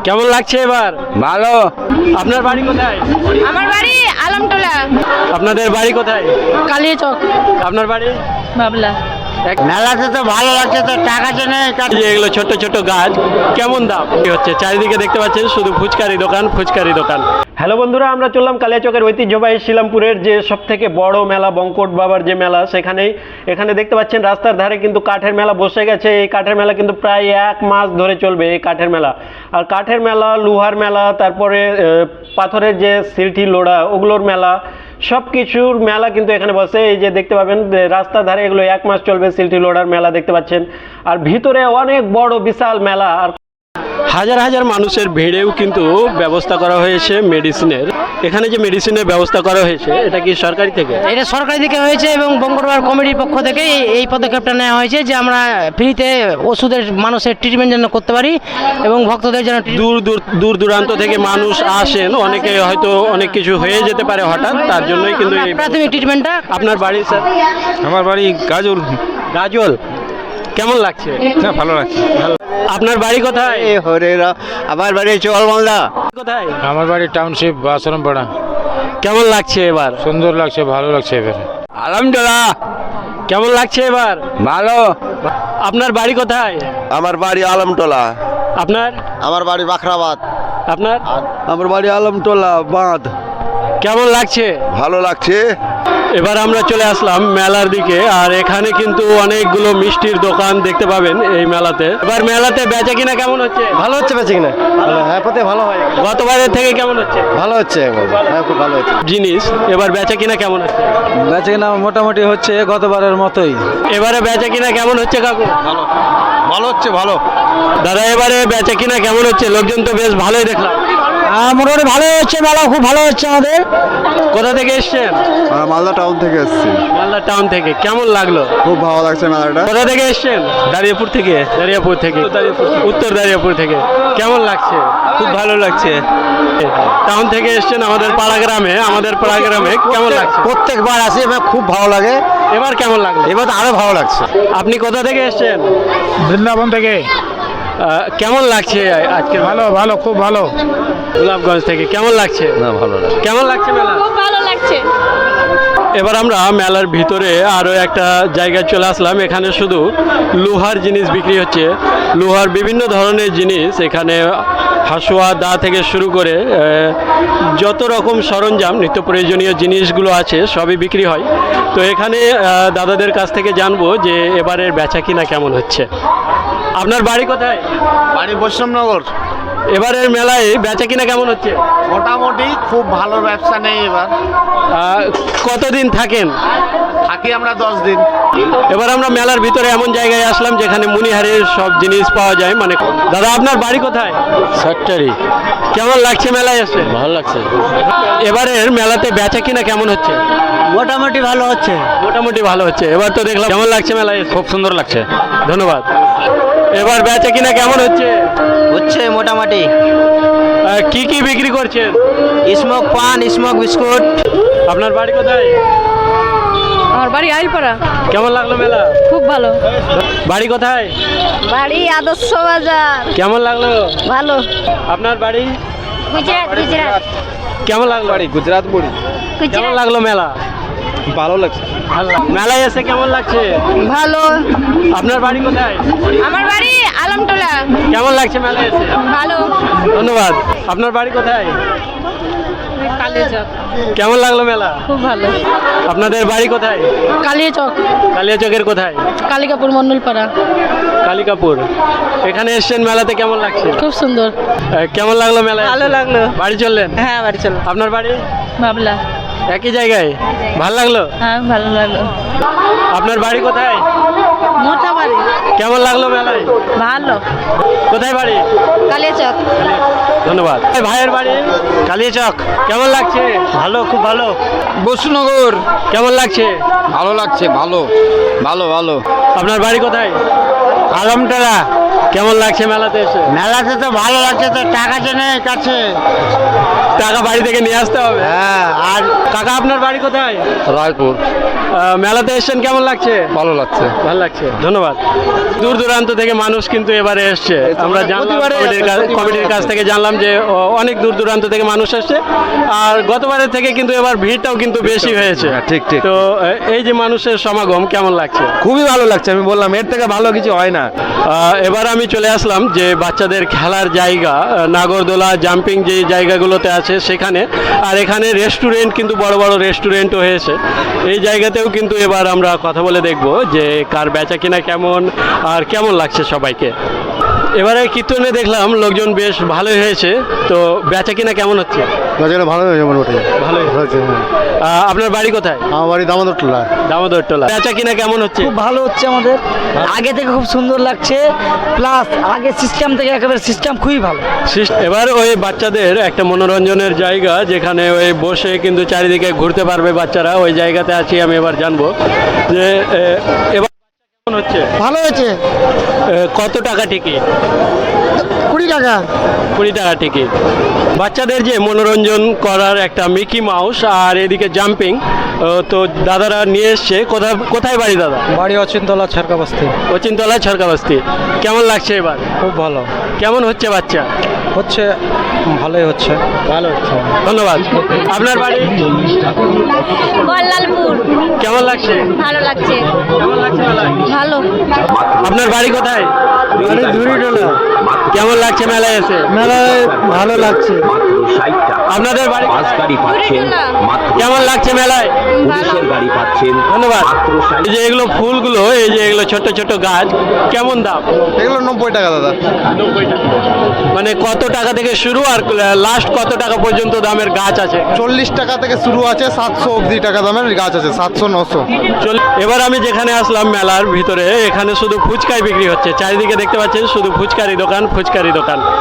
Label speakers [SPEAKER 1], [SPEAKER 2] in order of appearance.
[SPEAKER 1] কেমন লাগছে এবার?
[SPEAKER 2] ভালো।
[SPEAKER 1] আপনার বাড়ি কোথায়?
[SPEAKER 3] আমার বাড়ি আলমটোলা।
[SPEAKER 1] আপনাদের বাড়ি কোথায়?
[SPEAKER 3] কালিয়াচক।
[SPEAKER 1] আপনার বাড়ি?
[SPEAKER 3] বাবলা।
[SPEAKER 2] মেলাতে তো ভালো লাগছে, তো টাকা জেনে
[SPEAKER 1] যে এগুলো ছোট ছোট গাছ, কেমন দাম কি হচ্ছে? চারিদিকে দেখতে পাচ্ছেন শুধু ফুচকারি দোকান, ফুচকারি দোকান। হ্যালো বন্ধুরা, আমরা চললাম কালিয়াচকের ঐতিহ্যবাহী শিলামপুরের যে সব থেকে বড় মেলা, বঙ্কট বাবার যে মেলা, এখানে দেখতে পাচ্ছেন রাস্তার ধারে কিন্তু কাঠের মেলা বসে গেছে। এই কাঠের মেলা কিন্তু প্রায় 1 মাস ধরে চলবে এই কাঠের মেলা। আর কাঠের মেলা, লোহার মেলা, তারপরে পাথরের যে সিলটি লোড়া ওগুলোর মেলা, সব কিছুর মেলা কিন্তু এখানে বসে। এই যে দেখতে পাবেন রাস্তার ধারে এগুলো 1 মাস চলবে সিলটি লোড়ার মেলা দেখতে পাচ্ছেন। আর ভিতরে অনেক বড় বিশাল মেলা, আর হাজার হাজার মানুষের ভিড়েও কিন্তু ব্যবস্থা করা হয়েছে মেডিসিনের। এখানে যে মেডিসিনের ব্যবস্থা করা হয়েছে, এটা কি সরকারি থেকে?
[SPEAKER 4] এটা সরকারি থেকে হয়েছে এবং বঙ্গরবার কমিটির পক্ষ থেকে এই পদক্ষেপটা নেওয়া হয়েছে যে আমরা ফ্রিতে ওষুধের মানুষের ট্রিটমেন্ট যেন করতে পারি এবং ভক্তদের যেন
[SPEAKER 1] দূর দূরান্ত থেকে মানুষ আসেন, অনেকে হয়তো অনেক কিছু হয়ে যেতে পারে হঠাৎ, তার জন্যই কিন্তু এই
[SPEAKER 4] প্রাথমিক ট্রিটমেন্টটা।
[SPEAKER 1] আপনার বাড়ি স্যার?
[SPEAKER 2] আমার বাড়ি গাজল।
[SPEAKER 1] গাজল। কেমন লাগছে?
[SPEAKER 2] হ্যাঁ, ভালো লাগছে।
[SPEAKER 1] আপনার বাড়ি কোথায়?
[SPEAKER 2] আমার বাড়ি চলমালদা।
[SPEAKER 1] কোথায়?
[SPEAKER 5] আমার বাড়ি টাউনশিপ আশ্রমপাড়া।
[SPEAKER 1] কেমন লাগছে এবার?
[SPEAKER 5] সুন্দর লাগছে, ভালো লাগছে এবার।
[SPEAKER 2] আলহামদুলিল্লাহ।
[SPEAKER 1] কেমন লাগছে এবার?
[SPEAKER 2] ভালো।
[SPEAKER 1] আপনার বাড়ি কোথায়?
[SPEAKER 6] আমার বাড়ি আলমটোলা।
[SPEAKER 1] আপনার?
[SPEAKER 6] আমার বাড়ি বাখরাবাদ।
[SPEAKER 1] আপনার?
[SPEAKER 6] আমার বাড়ি আলমটোলা বাঁধ।
[SPEAKER 1] কেমন লাগছে?
[SPEAKER 6] ভালো লাগছে।
[SPEAKER 1] এবার আমরা চলে আসলাম মেলার দিকে, আর এখানে কিন্তু অনেকগুলো মিষ্টির দোকান দেখতে পাবেন এই মেলাতে। এবার মেলাতে বেচা কিনা কেমন হচ্ছে?
[SPEAKER 2] ভালো হচ্ছে বেঁচে কিনা? হ্যাঁ, প্রতি ভালো হয়।
[SPEAKER 1] গতবারের থেকে কেমন হচ্ছে?
[SPEAKER 2] ভালো হচ্ছে, হ্যাঁ, খুব ভালো হচ্ছে।
[SPEAKER 1] জিনিস এবার বেচা কিনা কেমন হচ্ছে?
[SPEAKER 2] বেঁচে কিনা মোটামুটি হচ্ছে গতবারের মতোই।
[SPEAKER 1] এবারে বেচা কিনা কেমন হচ্ছে কাকু?
[SPEAKER 6] ভালো হচ্ছে, ভালো।
[SPEAKER 1] দাদা এবারে বেচা কিনা কেমন হচ্ছে? লোকজন তো বেশ ভালোই দেখলাম।
[SPEAKER 4] মোটামুটি ভালো হচ্ছে, মেলা খুব ভালো হচ্ছে আমাদের।
[SPEAKER 1] কোথা থেকে এসছেন?
[SPEAKER 6] মালদা টাউন থেকে এসেছি।
[SPEAKER 1] মালদা টাউন থেকে। কেমন লাগলো?
[SPEAKER 6] খুব ভালো লাগছে মেলাটা।
[SPEAKER 1] কোথা থেকে এসছেন? দাঁড়িয়াপুর থেকে। দাঁড়িয়াপুর থেকে, উত্তর দাঁড়িয়াপুর থেকে। কেমন লাগছে?
[SPEAKER 2] খুব ভালো লাগছে।
[SPEAKER 1] টাউন থেকে এসছেন আমাদের পাড়া গ্রামে। কেমন লাগছে?
[SPEAKER 2] প্রত্যেকবার আসি, আমার খুব ভালো লাগে।
[SPEAKER 1] এবার কেমন লাগলো?
[SPEAKER 2] এবার তো আরো ভালো লাগছে।
[SPEAKER 1] আপনি কোথা থেকে এসছেন?
[SPEAKER 5] বৃন্দাবন থেকে।
[SPEAKER 1] কেমন লাগছে আজকে?
[SPEAKER 5] ভালো ভালো, খুব ভালো।
[SPEAKER 1] গোলাপগঞ্জ থেকে। কেমন লাগছে?
[SPEAKER 6] না, ভালো লাগে।
[SPEAKER 1] কেমন লাগছে মেলা?
[SPEAKER 3] খুব ভালো লাগছে।
[SPEAKER 1] এবার আমরা মেলার ভিতরে আরও একটা জায়গায় চলে আসলাম। এখানে শুধু লোহার জিনিস বিক্রি হচ্ছে, লোহার বিভিন্ন ধরনের জিনিস। এখানে হাসুয়া, দা থেকে শুরু করে যত রকম সরঞ্জাম, নিত্য প্রয়োজনীয় জিনিসগুলো আছে সবই বিক্রি হয়। তো এখানে দাদাদের কাছ থেকে জানবো যে এবারের বেচা কিনা কেমন হচ্ছে। আপনার বাড়ি কোথায়?
[SPEAKER 6] বাড়ি বৈষ্ণবনগর।
[SPEAKER 1] এবারের মেলায় বেচা কিনা কেমন হচ্ছে?
[SPEAKER 6] মোটামুটি খুব ভালো ব্যবসা নেই এবার।
[SPEAKER 1] কতদিন থাকেন?
[SPEAKER 6] থাকি আমরা 10 দিন।
[SPEAKER 1] এবার আমরা মেলার ভিতরে এমন জায়গায় আসলাম যেখানে মণিহারের সব জিনিস পাওয়া যায়। মানে দাদা আপনার বাড়ি কোথায়?
[SPEAKER 2] সাতটারি।
[SPEAKER 1] কেমন লাগছে মেলায় এসে?
[SPEAKER 2] ভালো লাগছে।
[SPEAKER 1] এবারের মেলাতে বেচা কিনা কেমন হচ্ছে?
[SPEAKER 4] মোটামুটি ভালো হচ্ছে।
[SPEAKER 1] মোটামুটি ভালো হচ্ছে। এবার তো দেখলাম। কেমন লাগছে মেলায় এসে?
[SPEAKER 2] খুব সুন্দর লাগছে।
[SPEAKER 1] ধন্যবাদ। এবার বেচা কিনা কেমন হচ্ছে?
[SPEAKER 4] হচ্ছে মোটামুটি।
[SPEAKER 1] কি কি বিক্রি করছেন?
[SPEAKER 4] স্মোক পান, স্মোক বিস্কুট।
[SPEAKER 1] আপনার বাড়ি কোথায়?
[SPEAKER 3] আমার বাড়ি আইলপাড়া।
[SPEAKER 1] কেমন লাগলো মেলা?
[SPEAKER 3] খুব ভালো।
[SPEAKER 1] বাড়ি কোথায়?
[SPEAKER 3] বাড়ি আদর্শ বাজার।
[SPEAKER 1] কেমন লাগলো?
[SPEAKER 3] ভালো।
[SPEAKER 1] আপনার বাড়ি?
[SPEAKER 3] গুজরাট।
[SPEAKER 1] কেমন লাগলো?
[SPEAKER 2] বাড়ি গুজরাট বাড়ি।
[SPEAKER 1] কেমন লাগলো মেলা?
[SPEAKER 2] ভালো লাগছে।
[SPEAKER 1] মেলায় এসে কেমন লাগছে?
[SPEAKER 3] ভালো।
[SPEAKER 1] আপনার বাড়ি কোথায়?
[SPEAKER 3] আমার বাড়ি আলমটোলা।
[SPEAKER 1] কেমন লাগছে মেলায় এসে?
[SPEAKER 3] ভালো।
[SPEAKER 1] ধন্যবাদ। আপনার বাড়ি কোথায়?
[SPEAKER 3] কালিয়াচক।
[SPEAKER 1] কেমন লাগলো মেলা?
[SPEAKER 3] খুব ভালো।
[SPEAKER 1] আপনাদের বাড়ি কোথায়?
[SPEAKER 3] কালিয়াচক।
[SPEAKER 1] কালিয়াচকের কোথায়?
[SPEAKER 3] কালিকাপুর মন্ডলপাড়া।
[SPEAKER 1] কালিকাপুর। এখানে এসছেন মেলাতে, কেমন লাগছে?
[SPEAKER 3] খুব সুন্দর।
[SPEAKER 1] কেমন লাগলো মেলায়?
[SPEAKER 3] ভালো লাগলো।
[SPEAKER 1] বাড়ি চললেন?
[SPEAKER 3] হ্যাঁ, বাড়ি চলো।
[SPEAKER 1] আপনার বাড়ি?
[SPEAKER 3] বাবলা।
[SPEAKER 1] একই জায়গায়। ভালো লাগলো?
[SPEAKER 3] হ্যাঁ, ভালো লাগলো।
[SPEAKER 1] আপনার বাড়ি কোথায়?
[SPEAKER 3] মোটা বাড়ি।
[SPEAKER 1] কেমন লাগলো মেলায়?
[SPEAKER 3] ভালো।
[SPEAKER 1] কোথায় বাড়ি?
[SPEAKER 3] কালিয়াচক।
[SPEAKER 1] ধন্যবাদ। ভাইয়ের বাড়ি? কালিয়াচক। কেমন লাগছে?
[SPEAKER 2] ভালো, খুব ভালো।
[SPEAKER 5] বসুনগর।
[SPEAKER 1] কেমন লাগছে?
[SPEAKER 5] ভালো লাগছে, ভালো ভালো ভালো।
[SPEAKER 1] আপনার বাড়ি কোথায়?
[SPEAKER 2] আলমটোলা।
[SPEAKER 1] কেমন লাগছে মেলাতে এসে?
[SPEAKER 2] মেলাতে তো ভালো লাগছে, তো টাকা চেনে কাছে।
[SPEAKER 1] টাকা বাড়ি থেকে নিয়ে আসতে হবে।
[SPEAKER 2] হ্যাঁ, আর
[SPEAKER 1] কাকা আপনার বাড়ি কোথায়?
[SPEAKER 2] রায়পুর।
[SPEAKER 1] মেলাতে এসেছেন, কেমন লাগছে?
[SPEAKER 2] ভালো লাগছে।
[SPEAKER 1] ভালো লাগছে, ধন্যবাদ। দূর দূরান্ত থেকে মানুষ কিন্তু এবারে এসছে। আমরা জানলাম
[SPEAKER 2] প্রতিবারে
[SPEAKER 1] কমিটির কাছ থেকে জানলাম যে অনেক দূর দূরান্ত থেকে মানুষ এসছে, আর গতবারের থেকে কিন্তু এবার ভিড়টাও কিন্তু বেশি হয়েছে।
[SPEAKER 2] ঠিক ঠিক।
[SPEAKER 1] তো এই যে মানুষের সমাগম কেমন লাগছে?
[SPEAKER 2] খুবই ভালো লাগছে, আমি বললাম এর থেকে ভালো কিছু হয় না।
[SPEAKER 1] এবার আমি চলে আসলাম যে বাচ্চাদের খেলার জায়গা, নাগরদোলা, জাম্পিং যে জায়গাগুলোতে আছে সেখানে, আর এখানে রেস্টুরেন্ট কিন্তু বড় বড় রেস্টুরেন্টও হয়েছে। এই জায়গাতেও কিন্তু এবার আমরা কথা বলে দেখব যে কার বেচা কিনা কেমন আর কেমন লাগছে সবাইকে। এবারে কীর্তনে দেখলাম লোকজন বেশ ভালোই হয়েছে, তো বেচা কিনা কেমন হচ্ছে?
[SPEAKER 2] বাজারে ভালো হয়েছে মোটামুটি।
[SPEAKER 1] ভালোই
[SPEAKER 2] হয়েছে।
[SPEAKER 1] আপনার বাড়ি কোথায়?
[SPEAKER 2] আমার বাড়ি দামোদরটোলা।
[SPEAKER 1] দামোদরটোলা। বেচা কিনা কেমন হচ্ছে?
[SPEAKER 7] খুব ভালো হচ্ছে আমাদের, আগে থেকে খুব সুন্দর লাগছে, প্লাস আগে সিস্টেম থেকে একেবারে সিস্টেম খুবই ভালো।
[SPEAKER 1] এবার ওই বাচ্চাদের একটা মনোরঞ্জনের জায়গা, যেখানে ওই বসে কিন্তু চারিদিকে ঘুরতে পারবে বাচ্চারা, ওই জায়গাতে আছি আমি। এবার জানবো যে এবার কেমন হচ্ছে?
[SPEAKER 2] ভালো হয়েছে।
[SPEAKER 1] কত টাকা টিকিট?
[SPEAKER 2] 20 টাকা।
[SPEAKER 1] 20 টাকা টিকিট। বাচ্চাদের যে মনোরঞ্জন করার একটা মিকি মাউস আর এদিকে জাম্পিং, তো দাদারা নিয়ে এসছে। কোথায় বাড়ি দাদা?
[SPEAKER 2] বাড়ি অচিনতলা ছারকাবস্তি।
[SPEAKER 1] অচিনতলা ছরকাবস্তি। কেমন লাগছে এবার?
[SPEAKER 2] খুব ভালো
[SPEAKER 1] কেমন হচ্ছে বাচ্চা?
[SPEAKER 2] হচ্ছে, ভালোই হচ্ছে।
[SPEAKER 1] ভালো হচ্ছে, ধন্যবাদ। আপনার বাড়ি?
[SPEAKER 3] বল্লালপুর।
[SPEAKER 1] কেমন লাগছে?
[SPEAKER 3] ভালো লাগছে।
[SPEAKER 1] কেমন লাগছে মেলায়?
[SPEAKER 3] ভালো।
[SPEAKER 1] আপনার বাড়ি কোথায়?
[SPEAKER 2] ঝুড়িটোলা।
[SPEAKER 1] কেমন লাগছে মেলায় এসে?
[SPEAKER 2] মেলায় ভালো লাগছে।
[SPEAKER 1] আপনাদের বাড়ি
[SPEAKER 3] না।
[SPEAKER 1] কেমন লাগছে মেলায়?
[SPEAKER 3] ভালো।
[SPEAKER 1] ধন্যবাদ। এই যে এগুলো ফুলগুলো, এই যে এগুলো ছোট ছোট গাছ, কেমন দাম?
[SPEAKER 2] এগুলো 90 টাকা দাদা।
[SPEAKER 1] 90 টাকা। মানে কত টাকা থেকে শুরু আর লাস্ট কত টাকা পর্যন্ত দামের গাছ আছে?
[SPEAKER 2] 40 টাকা থেকে শুরু আছে, 700 অবধি টাকা দামের গাছ আছে, 700 900।
[SPEAKER 1] এবার আমি যেখানে আসলাম মেলার ভিতরে, এখানে শুধু ফুচকাই বিক্রি হচ্ছে। চারিদিকে দেখতে পাচ্ছেন শুধু ফুচকারি দোকান, ফুচকারি দোকান।